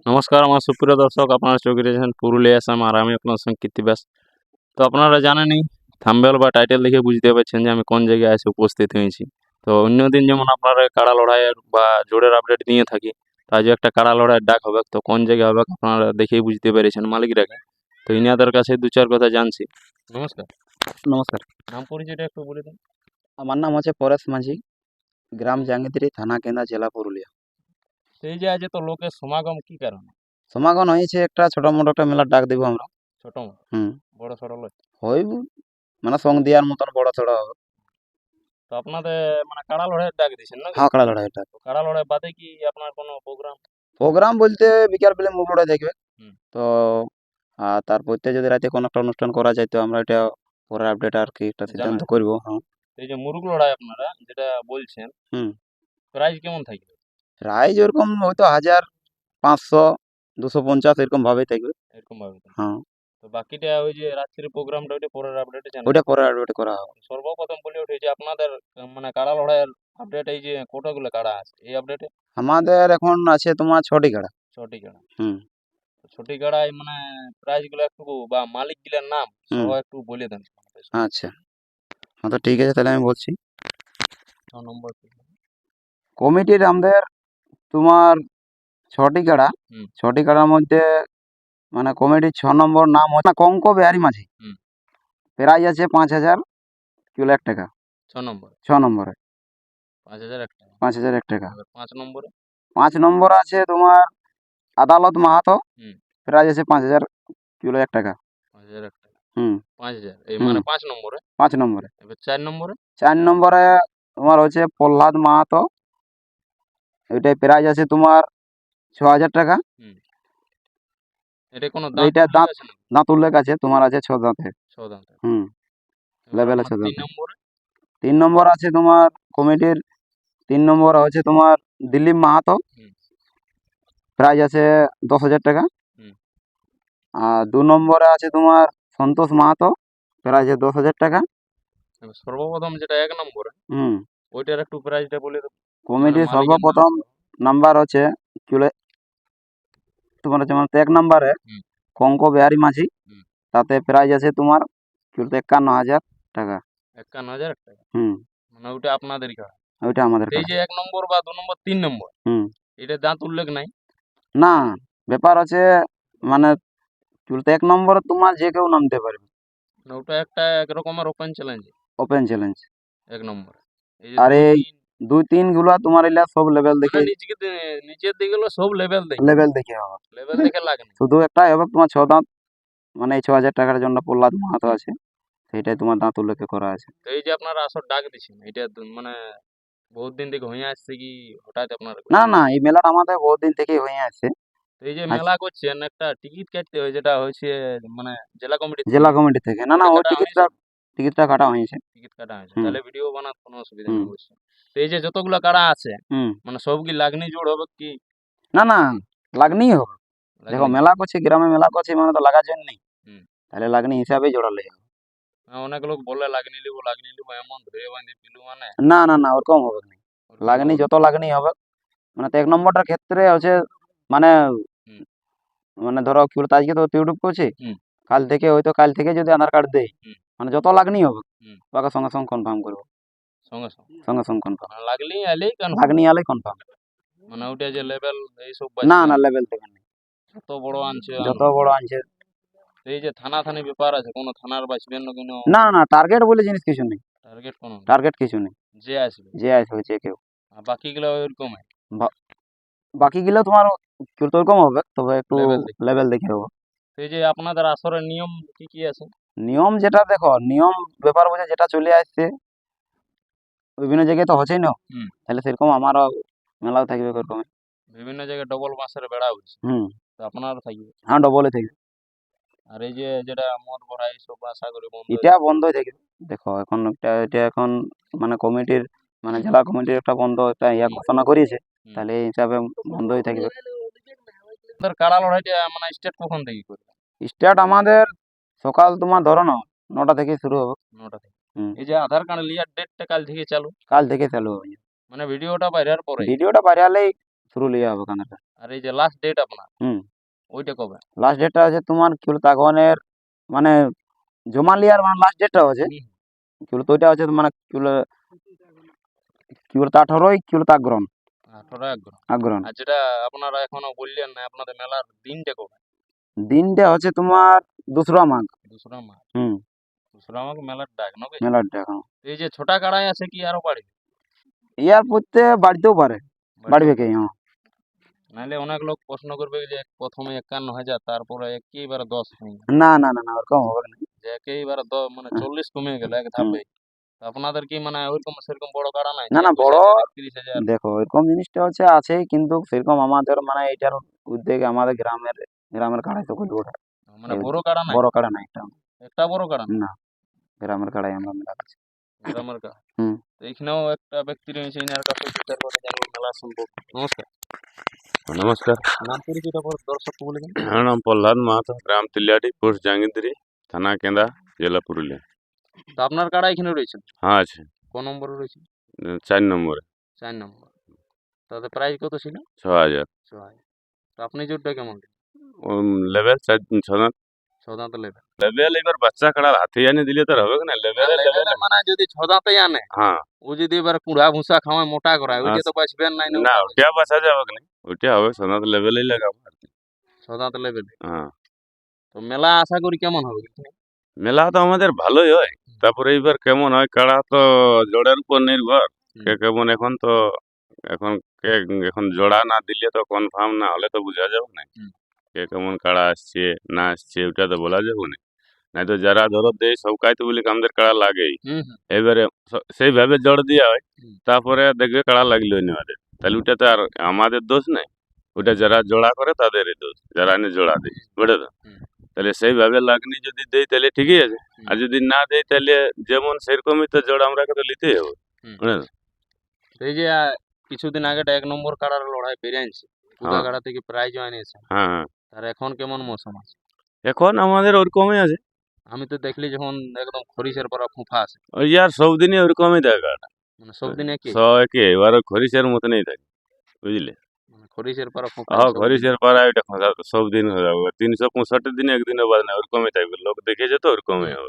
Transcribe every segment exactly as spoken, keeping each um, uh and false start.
নমস্কার আমার সুপ্রিয় দর্শক, আপনারা চোখে রেখেছেন পুরুলিয়া আসাম আর আমি আপনার সঙ্গে কীর্তি ব্যাস। তো আপনারা জানেনই, থাম্বনেল বা টাইটেল দেখে বুঝতে পারছেন যে আমি কোন জায়গায় এসে উপস্থিত হয়েছি। তো অন্যদিন যেমন আপনারা কাড়া লড়াইয়ের বা জোড়ের আপডেট দিয়ে থাকি, তো আজও একটা কাড়া লড়াইয়ের ডাক হবে। তো কোন জায়গায় হবে আপনারা দেখেই বুঝতে পেরেছেন মালিকরাকে। তো ইনাদের কাছে দু চার কথা জানছি। নমস্কার। নমস্কার, নাম পরিচয়টা একটু বলে দিন। আমার নাম হচ্ছে পরেশ মাঝি, গ্রাম জাঙ্গিতিরি, থানা কেন্দা, জেলা পুরুলিয়া। সেই যে আজ তো লোকের সমাগম কি কারণে? সমাগম হয়েছে একটা ছোট মোটো একটা মেলার ডাক দিব আমরা। ছোট মতো হুম বড় সড় লয়? হইব, মানে সঙ্গ দেওয়ার মতন বড় ছোট হবে। তো আপনাদের মানে কাড়া লড়াইয়ের ডাক দিয়েছেন নাকি? হাঁকড়া লড়াই ডাক। তো কাড়া লড়াই বাদে কি আপনার কোনো প্রোগ্রাম? প্রোগ্রাম বলতে বিকাল বেলা মুখ লড়াই দেখবে। হুম। তো আর তারপরতে যদি রাতে কোনো একটা অনুষ্ঠান করা যায় তো আমরা এটা পরে আপডেট আর কি একটা সিদ্ধান্ত জানাই। করবো। হ্যাঁ। এই যে মুরুগ লড়াই আপনারা যেটা বলছেন, হুম প্রাইস কেমন থাকবে? প্রাইজ ওরকম হয়তো হাজার, পাঁচশো, দুশো পঞ্চাশ এরকম ভাবেই থাকবে। এরকম ভাবে তো। হ্যাঁ, তো বাকিটা ওই যে রাত্রির প্রোগ্রামটা ওইটা পরের আপডেটে জানাই। ওইটা পরে আপডেট করা হবে। সর্বপ্রথম বলে ওঠে যে আপনাদের আহ, মানে কাড়া লড়াইয়ের আপডেট, এই যে কতগুলো কাড়া আছে এই আপডেটে? আমাদের এখন আছে তোমার ছটি কাড়া। ছটি কাড়া। হুম তো ছটি কাড়ায় মানে প্রাইস গুলো একটু বা মালিক গুলার নাম হুম সহ একটু বলে দেন। আচ্ছা, হ্যাঁ তো ঠিক আছে, তাহলে আমি বলছি। ছ নম্বর। কমিটির আমাদের তোমার ছটি কাড়া। হুম ছটি কাড়ার মধ্যে মানে কমিটির ছ নম্বর নাম হচ্ছে কঙ্ক বিহারি মাঝি। হুম। প্রাইজ আছে পাঁচ হাজার কি লাখ টাকা। ছ নম্বর ছ নম্বরে পাঁচ হাজার এক টাকা। পাঁচ হাজার এক টাকা। এবার পাঁচ নম্বরে? পাঁচ নম্বর আছে তোমার আদালত মাহাতো। হুম। প্রাইজ আছে পাঁচ হাজার কি লাখ টাকা। পাঁচ হাজার এক টাকা। হুম পাঁচ হাজার এই হুম মানে পাঁচ নম্বরে। পাঁচ নম্বরে। এবার চার নম্বরে? চার নম্বরে তোমার হচ্ছে প্রহ্লাদ মাহাতো। ওইটাই প্রাইজ আছে তোমার ছ হাজার টাকা। হুম। এটা কোনো দাঁত এইটা উল্লেখ দাঁত আছে নাকি? দাঁত উল্লেখ আছে, তোমার আছে ছ দাঁতে। ছ দাঁত। হুম এবার লেভেল আপনার আছে তিন দাঁতে। নম্বরে? তিন নম্বর আছে তোমার কমিটির তিন নম্বর হচ্ছে তোমার দিলীপ মাহাতো। হুম প্রাইজ আছে দশ হাজার টাকা। হুম। আর দু নম্বরে আছে তোমার সন্তোষ মাহাতো। প্রাইজ আছে দশ হাজার টাকা। এবার সর্বপ্রথম যেটা এক নম্বরে, হুম ওইটার একটু প্রাইসটা বলে দেবো। মানে কমিটির মালিকের নাম সর্বপ্রথম সহ। নাম্বার হচ্ছে চলে তোমার হচ্ছে মানে এক নম্বরে হুম কঙ্ক বিহারি মাঝি। হুম। তাতে প্রাইজ আছে তোমার কি বলতে একান্ন হাজার টাকা। একান্ন হাজার টাকা। হুম মানে ওইটা আপনাদের কাড়া। ওইটা আমাদের এই কাছে। যে এক নম্বর বা দু নম্বর তিন নম্বর, হুম এটা দাঁত উল্লেখ নাই? না, ব্যাপার আছে মানে কি বলতে এক নম্বরে তোমার যে কেউ নামতে পারবে। মানে ওটা একটা এক রকমের ওপেন চ্যালেঞ্জ। Open challenge. এক নম্বরে এই যে আর দুই এই তিন দুই তিন গুলা তোমার এলা সব লেভেল মানে দেখে। নিজেকে দে- নিচের দিকে গেলো সব লেভেল দেখে। লেভেল দেখে হবে। লেভেল দেখে লাগে না। শুধু একটাই হবে তোমার ছ দাঁত, মানে এই ছ হাজার টাকার জন্য প্রহ্লাদ মাহাতো আছে, সেইটাই তোমার দাঁত উল্লেখ করা আছে। তো এই যে আপনারা আসর ডাক দিচ্ছেন, এটা তো মানে বহুত দিন থেকে হয়ে আসছে কি হঠাৎ আপনারা না করছেন? না, এই মেলাটা আমাদের বহুত দিন থেকেই হয়ে আসছে। তো এই যে আজ মেলা করছেন, একটা টিকিট কাটতে হয় যেটা হচ্ছে মানে জেলা কমিটির জেলা থেকে, কমিটি থেকে, না না ওটা ওই কাটা টিকিটটা হয়েছে? টিকিটটা কাটা হয়েছে। টিকিট কাটা হয়েছে, হুম তাহলে ভিডিও বানাতে কোনো অসুবিধা হুম নেই অবশ্যই। তো এই যে যতগুলো কাড়া আছে, হুম মানে সব কি লাগনি জোড় হবে কি? না না, লাগনি হবে। দেখো লাগনি জোড়। মেলা করছে, গ্রামে মেলা করছে মানে তো লাগার জন্যই, হুম। তাহলে লাগনি হিসাবেই জোড়ালে হবে। হ্যাঁ, অনেক লোক বলে লাগনি লিবো লাগনি লিবো এমন ধরে বাঁধি পিলু মানে না না না, ওরকম হবে না। ওরকম লাগনি হবে না। যত লাগনি হবে, মানে তো এক নম্বরটার ক্ষেত্রে হচ্ছে মানে হুম মানে ধরো কি বলতো আজকে তো ইউটিউব করছি, হুম কাল থেকে হয়তো কাল থেকে যদি আধার কার্ড দেই, হুম মানে যত লাগনি হবে হুম। ওকে সঙ্গে সঙ্গে কনফার্ম করবো। সঙ্গে সঙ্গে সঙ্গে সঙ্গে কনফার্ম। মানে লাগলেই আলেই কনফার্ম। লাগনি আলে কনফার্ম। মানে ওটা যে লেভেল এইসব না বাঁচবে না, না, লেভেল থেকে নেই। যত বড় আনছে যত আনুক। বড় আনছে। এই যে থানা থানি ব্যাপার আছে, কোনো থানার বাঁচবেন না কোনো? না না, টার্গেট বলে জিনিস কিছু নেই। টার্গেট কোনো না, টার্গেট কিছু নেই। যে আসবে। যে আসবে যে কেউ। আর বাকিগুলো ওইরকম বা- বাকি গুলো তোমার একটু ওরকম হবে, তবে একটু লেভেল দেখি। লেভেল দেখে হবে। তো এই যে আপনাদের আসরের নিয়ম কি কি আছে? নিয়ম যেটা দেখো, নিয়ম ব্যাপার বোঝে যেটা চলে আসছে বিভিন্ন জায়গায় তো হচ্ছেই না, হুম। তাহলে সেরকম আমারও মেলাও থাকবে ওরকম। বিভিন্ন জায়গায় ডবল বাঁশের বেড়া হচ্ছে, হুম তো আপনারও থাকবে। হ্যাঁ, ডবলে থাকবে। আর এই যে যেটা মদ ভরা এইসব আশা করি বন্ধ হয়ে এটা যাবে। বন্ধই থাকবে। দেখো এখন একটা এটা এখন মানে কমিটির মানে জেলা কমিটির একটা বন্ধ একটা ইয়া হুম ঘোষণা করিয়েছে, হুম। তাহলে এই হিসাবে বন্ধই থাকবে। আপনাদের কাড়া লড়াইটা মানে স্টার্ট কখন থেকে করবে? স্টার্ট আমাদের সকাল তোমার ধরো না নটা থেকে শুরু হবে। নটা থেকে? হুম এই যে আধার কার্ড লিয়ার ডেটটা কাল থেকে চালু? কাল থেকে চালু হবে। মানে ভিডিওটা বাইরের পরে? ভিডিওটা বাইরে হলেই পুরুলিয়া হবে কানাডা। আর এই যে লাস্ট ডেট আপনার হুম ওইটা কবে? লাস্ট ডেটটা আছে তোমার কি বলতো আগনের মানে জমা লিয়ার মানে লাস্ট ডেটটা আছে হুম। কি বলতো ওইটা আছে মানে কি বলে কি বলতো আঠারোই কি বলতো আগ্রহণ আঠারো এগারো। আগ্রহণ আর যেটা আপনারা এখনো বললেন না আপনাদের মেলার দিনটা কবে? দিনটা হচ্ছে তোমার দোসরা মাঘ। দোসরা মাঘ। হুম দোসরা মাঘ মেলার ডাক নাকি? মেলাটা এখন এই যে ছোটা কাড়াই আছে কি আরো বাড়বে? ইয়ার পড়তে বাড়তেও পারে বাড়বে কি হ্যাঁ নাহলে অনেক লোক প্রশ্ন করবে যে প্রথমে একান্ন হাজার তারপরে একেবারে দশ হয়ে গেল, না না না না ওরকম হবে না। যে একেবারে দ- মানে হ্যাঁ, চল্লিশ কমে গেল এক হুম। ধাপে। তো আপনাদের কি মানে ওইরকম সেরকম বড় কাড়া নাই না যে না একুশ বড় হাজার একত্রিশ হাজার? দেখো এরকম জিনিসটা হচ্ছে আছেই কিন্তু সেরকম আমাদের মানে এটার উদ্যোগে আমাদের গ্রামের গ্রামের কাড়াই তো করবো ওটা মানে এই বড় কাড়া নাই? বড় কাড়া নাই এটা একটা বড় কাড়া নাই না গ্রামের কাড়াই আমরা মেলা করছি গ্রামের কাড়া? হুম তো এইখানেও একটা ব্যক্তি রয়েছে এনার কাছে বিচার করে জানবো মেলা সম্পর্কে। নমস্কার। নমস্কার। নাম পরিচয়টা করে দর্শককে বলে দিন। আমার নাম প্রহ্লাদ মাহাতো, গ্রাম তিলিয়াটি, পোস্ট জাঙ্গিদ্রি, থানা কেন্দা, জেলা পুরুলিয়া। তো আপনার কাড়া এখানে রয়েছে? হ্যাঁ আছে, কোন নম্বরে রয়েছে? উম, চার নম্বরে চার নম্বর। তাদের প্রাইস কত ছিল? ছ হাজার ছ হাজার। তো আপনি জোরটা কেমন দিলেন? লেভেল চার ছ দাঁত ছ দাঁত লেভেল। লেভেল এবার বাচ্চা কাড়ার হাতে আনি দিলে তো আর হবে না লেভেল লেভেল। মানে যদি ছ দাঁতে আনে হ্যাঁ ও যদি এবার কুড়া ভুসা খাওয়ায় মোটা করায় ওইটা তো বাঁচবেন নাই না? না ওটা ওটা বাঁচা যাবে না, ওইটা হবে ছ দাঁত লেভেলেই লাগাবো আর কি। ছ দাঁত লেভেল। হ্যাঁ তো মেলা আশা করি কেমন হবে? মেলা তো আমাদের ভালোই হয়, তারপরে এইবার কেমন হয় কাড়া তো জোড়ার উপর নির্ভর, কে কেমন এখন তো এখন কে এখন জোড়া না দিলে তো কনফার্ম না হলে তো বোঝা যাবে না হুম। কে কেমন কাড়া আসছে না আসছে ওটা তো বলা যাবে না। নাই তো যারা ধরো দেয় সবকাই তো বলি আমাদের কাড়া লাগেই, হুম হুম এবারে স- সেইভাবে জোর দেওয়া হয়, হুম। তারপরে দেখবে কাড়া লাগলো না আমাদের, তাহলে ওটা তো আর আমাদের দোষ নাই, ওটা যারা জোড়া করে তাদেরই দোষ, যারা এনে জোড়া দেয় বুঝলে তো। হুম। তাহলে সেইভাবে লাগনি যদি দেয় তাহলে ঠিকই আছে, হুম। আর যদি না দেয় তাহলে যেমন সেরকমই তো জোড়া আমরা তো নিতেই হবে হুম। বুঝলে তো? তো এই যে আহ, কিছুদিন আগে একটা এক নম্বর কাড়ার লড়াই বেড়ে আনছে কুদা হ্যাঁ কাড়া থেকে প্রাইজ আনিয়েছে। হ্যাঁ হ্যাঁ। আর এখন কেমন মৌসুম আছে? এখন আমাদের ওরকমই আছে, আমি তো দেখলি যখন একদম খরিসের পরা ফুফা আছে ওই আর সব দিনই ওরকমই দেখা, মানে সব দিনে কি সবাইকে এবার খরিসের মতনই থাকে বুঝলে। মানে খরিসের পরা ফুফা হ্যাঁ সব দিন। খরিসের পাড়া ওইটা খোঁজা সব দিন হয়ে যাবে, তিনশো পঁয়ষট্টি দিনে একদিনও বাদ না ওরকমই থাকবে, লোক দেখেছে তো ওরকমই হুম। হবে।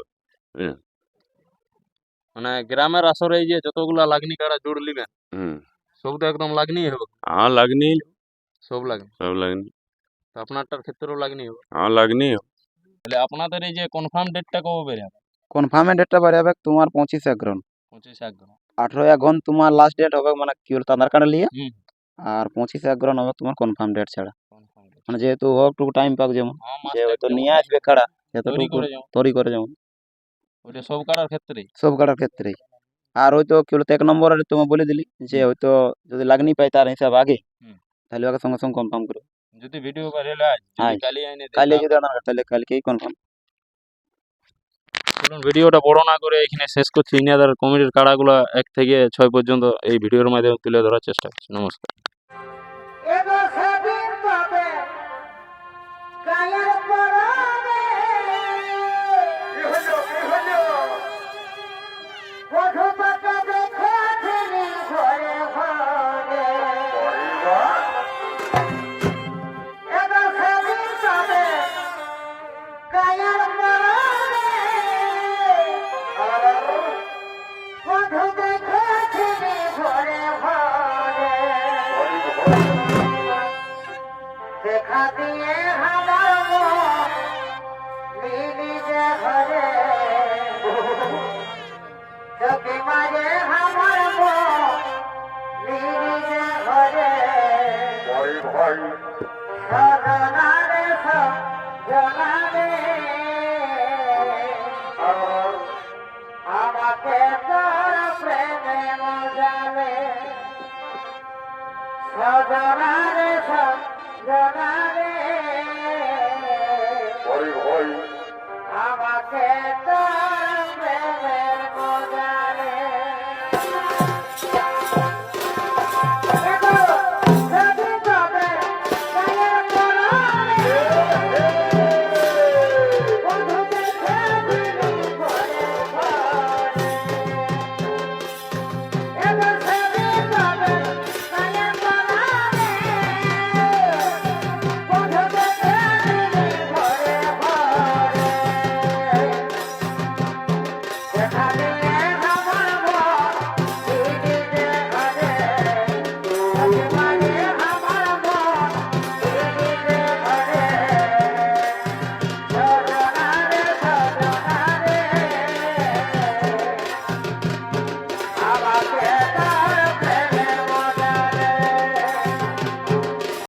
মানে গ্রামের আসরে এই যে যতগুলা লাগনি কাড়া জোড় লিবেন হুম সব তো একদম লাগনি হবে, হ্যাঁ লাগনি, সব লাগনি। সব লাগনি, তো আপনারটার ক্ষেত্রেও লাগনি হবে। হ্যাঁ লাগনি। তাহলে আপনাদের এই যে কনফার্ম ডেটটা কবে বের হবে? কনফার্মের ডেটটা বাড়ি হবে তোমার পঁচিশ আগ্রহণ পঁচিশ আগ্রহ। আঠারো আগ্রহণ তোমার লাস্ট ডেট হবে মানে কি বলতো আধার কার্ড নিয়ে হুম। আর পঁচিশ আগ্রহণ হবে তোমার কনফার্ম ডেট ছাড়া কনফার্ম ডেট। মানে যেহেতু হোক টুকু টাইম পাক যেমন হ্যাঁ মাস যে টাইম হয়তো যেমন নিয়ে time আসবে কাড়া তৈরি যতটুকু করে যেমন তৈরি করে যেমন ওইটা সব কাড়ার ক্ষেত্রেই। সব কাড়ার ক্ষেত্রেই। আর হয়তো কি বলতো এক নম্বরে তোমার বলে দিলি যে হুম। হয়তো যদি লাগনি পাই তার হিসাব আগে হুম। তাহলে ওকে সঙ্গে সঙ্গে কনফার্ম করো যদি ভিডিও ভাইরাল হয় যদি হ্যাঁ কালি আইনে দেয় কালকে যদি তাহলে- আধার কার্ড তাহলে কালকেই কনফার্ম। চলুন ভিডিওটা বড় না করে এখানে শেষ করছি। ইনাদের কমিটির কাড়াগুলো এক থেকে ছয় পর্যন্ত এই ভিডিওর মাধ্যমে তুলে ধরার চেষ্টা করছি। নমস্কার। এগো সেদিন তবে গায়ের পরনে বধূটাকে দেখেছিলি ঘরে ঘরে। এগো সেদিন তবে গায়ের পরনে বধূ দেখেছিলি ঘরে ঘরে। দেখা দিয়ে আমার মন মিলি যে ঘরে যদি মাঝে আমার মন মিলি যে ঘরে সজনারে সজনারে আমাকে তোর প্রেমে মজালে সজনারে সজনারে